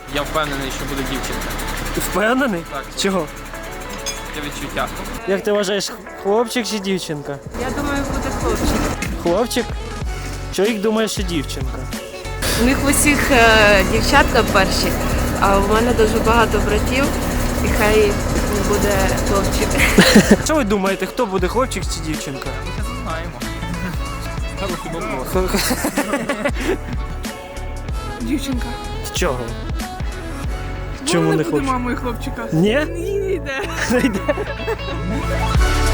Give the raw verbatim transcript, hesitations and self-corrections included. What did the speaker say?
Я впевнений, що буде дівчинка. Ти впевнений? Так. Чого? Є відчуття. Як ти вважаєш, хлопчик чи дівчинка? Я думаю, буде хлопчик. Хлопчик? Чоловік думає, що дівчинка. У них в усіх е, дівчатка перші, а у мене дуже багато братів, і хай буде хлопчик. Що ви думаєте, хто буде, хлопчик чи дівчинка? Ми зараз знаємо. Хороший вопрос. Дівчинка. Чого? Чому не буде хлопчик? мамою хлопчика? Ні? Ні, не йде. Не йде.